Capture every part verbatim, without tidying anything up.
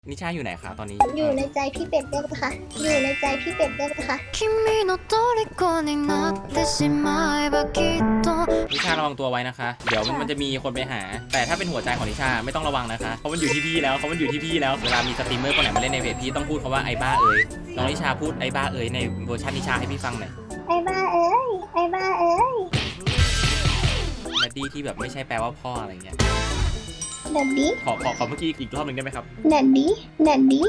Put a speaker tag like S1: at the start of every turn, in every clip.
S1: นิชาอยู่ไหนคะตอนนี้
S2: อยู่ในใจพี่เป็ดได้ปะคะอยู่ในใจพี่เป็ดได้ปะคะ
S3: 君の虜になってしまえばきっと
S1: นิชาระวังตัวไว้นะคะเดี๋ยวมันจะมีคนไปหาแต่ถ้าเป็นหัวใจของนิชาไม่ต้องระวังนะคะเพราะมันอยู่ที่พี่แล้วเพราะมันอยู่ที่พี่แล้วเวลามีสตรีมเมอร์คนไหนมาเล่นในเพจพี่ต้องพูดคำว่าไอ้บ้าเอ๋ยน้องนิชาพูดไอ้บ้าเอ๋ยในเวอร์ชันนิชาให้พี่ฟังหน่อย
S2: ไอ้บ้าเอ้ยไอ้บ้าเอ้ย
S1: แดดดี้ที่แบบไม่ใช่แปลว่าพ่ออะไรเงี้ย
S2: แดดดี้
S1: ขอขอขอเมื่อกี้อีกรอบหนึ่งได้ไหมครับ
S2: แดดดี้แดดดี้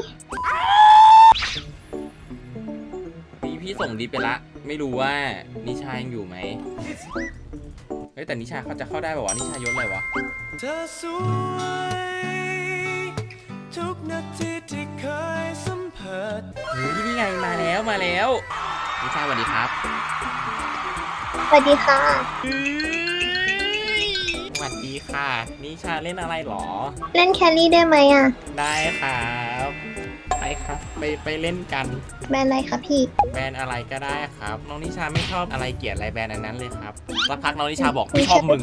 S1: พี่พี่ส่งดีไปละไม่รู้ว่านิชายังอยู่ไหมเฮ้ยแต่นิชาเขาจะเข้าได้ป่าวะนิชายศอะไรวะ
S4: เธอสวยทุกนาทีที่เคยสัมผัส
S1: เฮ้ยนี่ไงมาแล้วมาแล้วนิชาสวัสดีครับ
S2: สวัสดีค่ะ
S1: สวัสดีค่ะนิชาเล่นอะไรหรอ
S2: เล่นแคลรี่ได้ไหมอ่ะ
S1: ได้ครับไปครับไปไปเล่นกัน
S2: แบรนด์อะไรคะพี่
S1: แบรนด์อะไรก็ได้ครับน้องนิชาไม่ชอบอะไรเกลียดอะไรแบรนด์อันนั้นเลยครับสักพักน้องนิชาบอกไม่ชอบมึง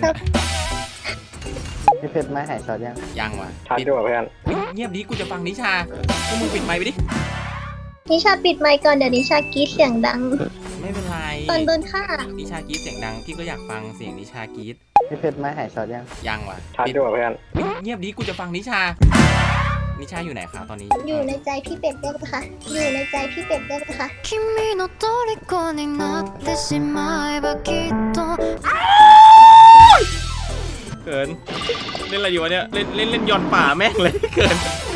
S5: พี่เพชรมาหายช็อตยัง
S1: ยังวะ
S5: ช็อตอยู่เพื่อน
S1: เงียบดิกูจะฟังนิชาพวกมึงปิดไมค์ไปดิ
S2: นิชาปิดไมค์ก่อนเดี๋ยวนิชากรี๊ดเสียงดัง
S1: ไม่เป็นไร
S2: ตอนโดนฆ่า
S1: นิชากรี๊ดเสียงดังพี่ก็อยากฟังเสียงนิชากรี๊ด
S5: พี่เพชรมาหายช็อตยัง
S1: ยังวะ
S5: ช็อตอยู่เพื่อน
S1: เงียบดิกูจะฟังนิชานิชาอยู่ไหนคะตอนนี้
S2: อยู่ในใจพี่เป็ดได้ปะคะอยู่ในใจพี่เป็ดได้ปะคะ
S3: 君の虜になってしまえばきっと
S1: เกินเล่นอะไรอยู่วะเนี่ยเล่นเล่นเล่นย้อนป่าแม่งเลยเกิน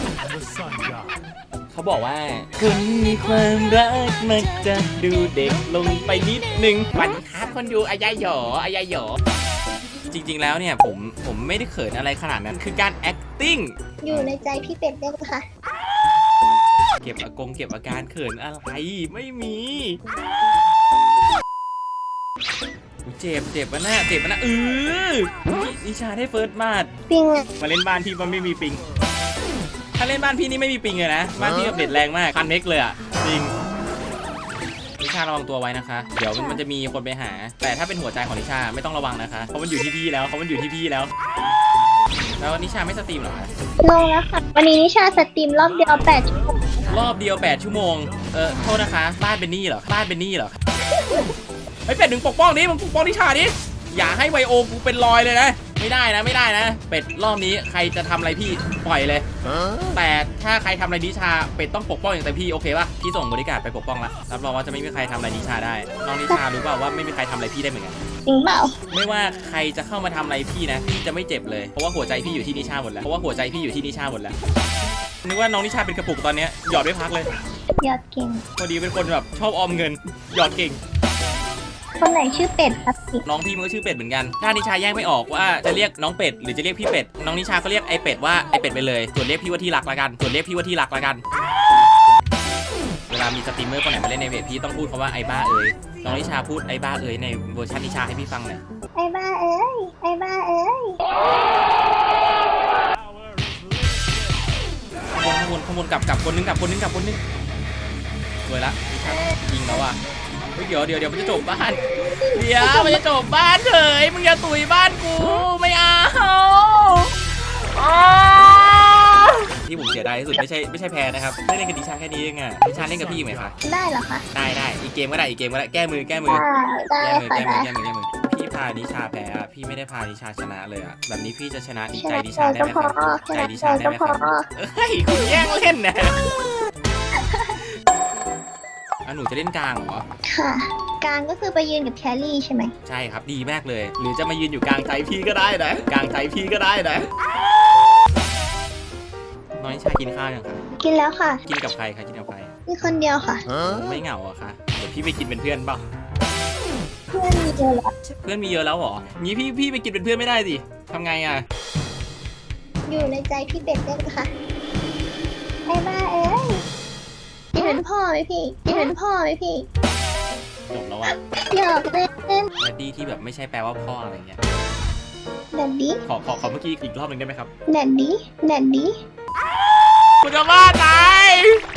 S1: เขาบอกว่าคนมีความรักมักจะดูเด็กลงไปนิดนึงวันครับคนดูอายายหยออายายหยอจริงๆแล้วเนี่ยผมผมไม่ได้เขินอะไรขนาดนั้นคือการ acting
S2: อยู่ในใจพี่เป็ดได้ปะคะ
S1: เก็บอากงเก็บอาการเขินอะไรไม่มีเจ็บเจ็บวะหน้าเจ็บวะหน้าเออนิชาได้เฟิร์สมาด
S2: ปิง
S1: มาเล่นบ้านพี่มันไม่มีปิงถ้าเล่นบ้านพี่นี่ไม่มีปิงเลยนะบ้านพี่แบบเด็ดแรงมากพันเมกเลยอ่ะจริงนิชาระวังตัวไว้นะคะเดี๋ยวมันจะมีคนไปหาแต่ถ้าเป็นหัวใจของนิชาไม่ต้องระวังนะคะเพราะมันอยู่ที่พี่แล้วเพราะมันอยู่ที่พี่แล้วแล้วนิชาไม่สตรีมหรอคะ
S2: ลงแล้วค่ะวันนี้นิชาสตรีมรอบเดียวแปดชั่วโมง
S1: รอบเดียวแปดชั่วโมงเออโทษนะคะบ้านเป็นหนี้เหรอบ้านเป็นหนี้เหรอไอ้เป็ดถึงปกป้องดิมึงปกป้องนิชาดิอย่าให้ไวโอกูเป็นรอยเลยนะไม่ได้นะไม่ได้นะเป็ดรอบนี้ใครจะทำอะไรพี่ปล่อยเลยแต่ถ้าใครทำอะไรนิชาเป็ดต้องปกป้องอย่างเต็มที่โอเคป่ะพี่ส่งบริการไปปกป้องละรับรองว่าจะไม่มีใครทำอะไรนิชาได้น้องนิชารู้เปล่าว่าไม่มีใครทำอะไรพี่ได้เหมือนกัน
S2: จริงเปล่า
S1: ไม่ว่าใครจะเข้ามาทำอะไรพี่นะพี่จะไม่เจ็บเลยเพราะว่าหัวใจพี่อยู่ที่นิชาหมดแล้วเพราะว่าหัวใจพี่อยู่ที่นิชาหมดแล้วนึกว่าน้องนิชาเป็นกระปุกตอนนี้หยอดไม่พักเลย
S2: หยอดเก่ง
S1: พอดีเป็นคนแบบชอบออมเงินหยอดเก่ง
S2: คนไหนชื่อเป็ดครับ
S1: น้องพี่มันก็ชื่อเป็ดเหมือนกันถ้านิชาแยกไม่ออกว่าจะเรียกน้องเป็ดหรือจะเรียกพี่เป็ดน้องนิชาก็เรียกไอเป็ดว่าไอเป็ดไปเลยส่วนเรียกพี่ว่าที่รักละกันส่วนเรียกพี่ว่าที่รักละกันเวลามีสตรีมเมอร์คนไหนมาเล่นในเพจพี่ต้องพูดคำว่าไอ้บ้าเอ๋ยน้องนิชาพูดไอ้บ้าเอ๋ยในเวอร์ชันนิชาให้พี่ฟังหน่อย
S2: ไอ้บ้าเอ๋ยไอ้บ้าเอ๋ย
S1: ขโมยขโมยกลับกลับคนนึงกลับคนนึงกลับคนนึงสวยละยิงแล้วอ่ะเดี๋ยวเดี๋ยวเดี๋ยวมันจะจบบ้านเดี๋ยวมันจะจบบ้านเฉยมึงอย่าตุยบ้านกูไม่เอาที่ผมเสียดายที่สุดไม่ใช่ไม่ใช่แพ้นะครับไม่เล่นกับดิชาแค่นี้เองอ่ะดิชาเล่นกับพี่ไหมคะ
S2: ได้เหรอคะ
S1: ได้ได้อีกเกมก็ได้อีกเกมก็ได้แก้มือแก้มือ
S2: แก้
S1: มือแก้มือแก้มือแก้มือพี่พาดิชาแพ้อ่ะพี่ไม่ได้พาดิชาชนะเลยอ่ะแบบนี้พี่จะชนะดีใจดิชาได้ไหมครับใจดิชาได้ไหมครับเฮ้ยคุณแย่งเล่นนะอ่ะหนูจะเล่นกลางเหรอ
S2: ค่ะกลางก็คือไปยืนกับแคลรี่ใช่ไหม
S1: ใช่ครับดีมากเลยหรือจะมายืนอยู่กลางใจพี่ก็ได้นะกลางใจพี่ก็ได้นะน้องนิชากินข้าวยังคะ
S2: กินแล้วค่ะ
S1: กินกับใครคะกินกับใคร
S2: มีคนเดียวค่ะ
S1: ไม่เหงาอะคะเดี๋ยวพี่ไปกินเป็นเพื่อนเปล่า
S2: เพื่อนมีเยอะแล้ว
S1: เพื่อนมีเยอะแล้วเหรองี้พี่พี่ไปกินเป็นเพื่อนไม่ได้สิทำไงอะ
S2: อยู่ในใจพี่เป็ดได้ปะคะไอ้บ้าเอ้ยกินเป็นพ่อไหมพี่กินเป็นพ่อไหมพี่
S1: จบแล้วอะ
S2: หยอกเล่นเล่น
S1: แดดดี้ที่แบบไม่ใช่แปลว่าพ่ออะไรเงี้ย
S2: แดดดี้
S1: ขอขอขอเมื่อกี้อีกรอบหนึ่งได้ไหมครับ
S2: แดดดี้แดดดี้
S1: คุณจะบ้าตาย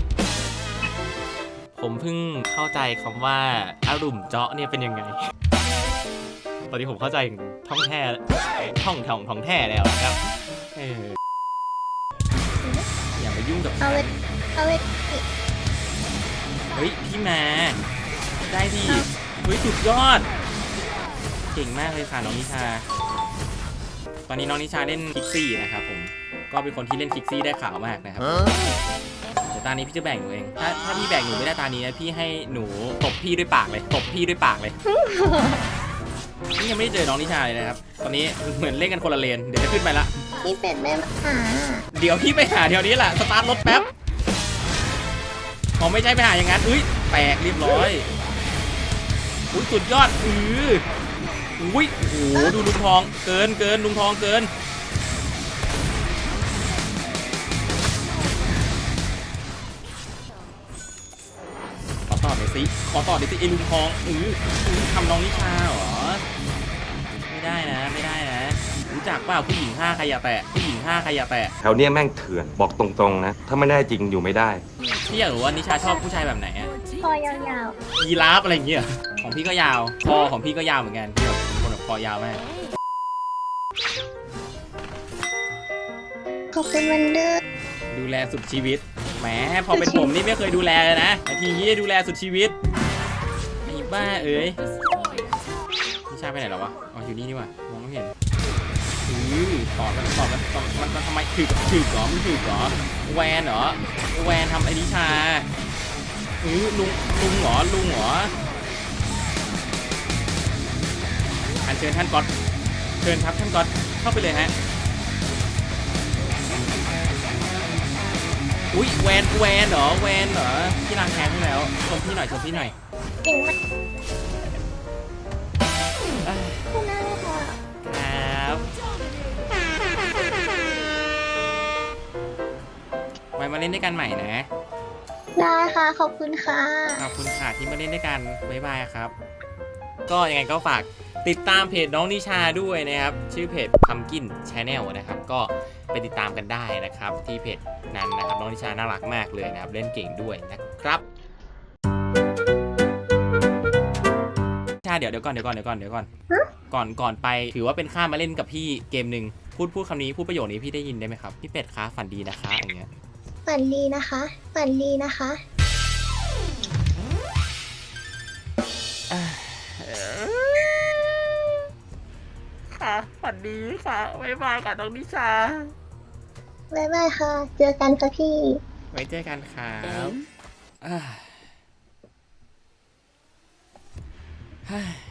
S1: ผมเพิ่งเข้าใจคำว่าอารุ่มเจาะเนี่ยเป็นยังไงตอนนี้ผมเข้าใจท่องแท้ท่องท่องท่องแท้แล้วครับอย่าไปยุ่งกับ
S2: เอาเลยเอาเลย
S1: เฮ้ยพี่มาได้ดิเฮ้ยสุดยอดเก่งมากเลยค่ะน้องนิชาตอนนี้น้องนิชาเล่นคิกซี่นะครับผมก็เป็นคนที่เล่นคิกซี่ได้ขาวมากนะครับเดี๋ยวตานี้พี่จะแบ่งหนูเองถ้าถ้าพี่แบ่งหนูไม่ได้ตานี้นะพี่ให้หนูตบพี่ด้วยปากเลยตบพี่ด้วยปากเลย นี่ยังไม่ได้เจอน้องนิชาเลยนะครับตอนนี้เหมือนเล่นกันคนละเลนเดี๋ยวจะขึ้นไปละ
S2: พี่เป็ดไม่มาหา
S1: เดี๋ยวพี่ไปหาเดี๋ยวนี้แหละสตาร์ทรถแป๊บผมไม่ใช่ไปหาอย่างนั้นอุ้ยแตกเรียบร้อยอุ้ยสุดยอดอืออุ้ยโอ้โหดูลุงทองเกินเกินลุงทองเกินขอต่อหน่อยสิขอต่อหน่อยสิไอ้ลุงทองอืออือทำน้องนิชาเหรอไม่ได้นะไม่ได้นะรู้จักเปล่าผู้หญิงห้าใครอย่าแตะผู้หญิงห้าใครอย่าแตะ
S6: แถวเนี้ยแม่งเถื่อนบอกตรงๆนะ ถ้าไม่ได้จริงอยู่ไม่ได้
S1: พี่อยากรู้ว่านิชาชอบผู้ชายแบบไหนอะ
S2: คอยาว
S1: ยีราฟอะไรอย่างเงี้ยของพี่ก็ยาวคอของพี่ก็ยาวเหมือนกันพี่แบบเป็นคนแบบคอยาวมาก
S2: ๆขอบคุณวันเดอร์
S1: ดูแลสุดชีวิตแหมพอเป็นผมนี่ไม่เคยดูแลเลยนะแต่ทีนี้ดูแลสุดชีวิตไอ้บ้าเอ้ยนิชาไปไหนแล้ววะอ๋ออยู่นี่นี่หว่ามองไม่เห็นอือตอบกันตอบกันตอบมันมันทำไมถือถือเหรอมันถือเหรอแวนเหรอแวนทำไอ้นิชาอือลุงลุงเหรอลุงเหรออันเชิญท่านก๊อตเชิญครับท่านก๊อตเข้าไปเลยฮะอุ้ยแวนแวนเหรอแวนเหรอพี่ล้างแค้นให้แล้วชมพี่หน่อยชมพี่หน่อย
S2: เก่งมาก
S1: เอ้ย
S2: คุณน่ารักค่ะ
S1: ครับไว้มาเล่นด้วยกันใหม่นะ
S2: ได้ค่ะขอบคุณค่ะ
S1: ขอบคุณค่ะที่มาเล่นด้วยกันบ๊ายบายครับ ก็ยังไงก็ฝากติดตามเพจน้องนิชาด้วยนะครับชื่อเพจ Pumpkin Channel นะครับก็ไปติดตามกันได้นะครับที่เพจนั้นนะครับน้องนิชาน่ารักมากเลยนะครับเล่นเก่งด้วยนะครับนิชาเดี๋ยวเดี๋ยวก่อนเดี๋ยวก่อนเดี๋ยวก่อนเดี๋ยวก่อนก่อนก่อนไปถือว่าเป็นค่ามาเล่นกับพี่เกมหนึ่งพูดพูดคำนี้พูดประโยคนี้พี่ได้ยินได้ไหมครับพี่เป็ดคะฝันดีนะคะอย่างเงี้ย
S2: ฝันดีนะคะฝันดีนะคะ
S1: ค่ะฝันดีค่ะบ๊ายบายค่ะน้องนิชา
S2: บ๊ายบายค่ะ เจอกันค่ะพี่
S1: ไว้เจอกันครับอ่า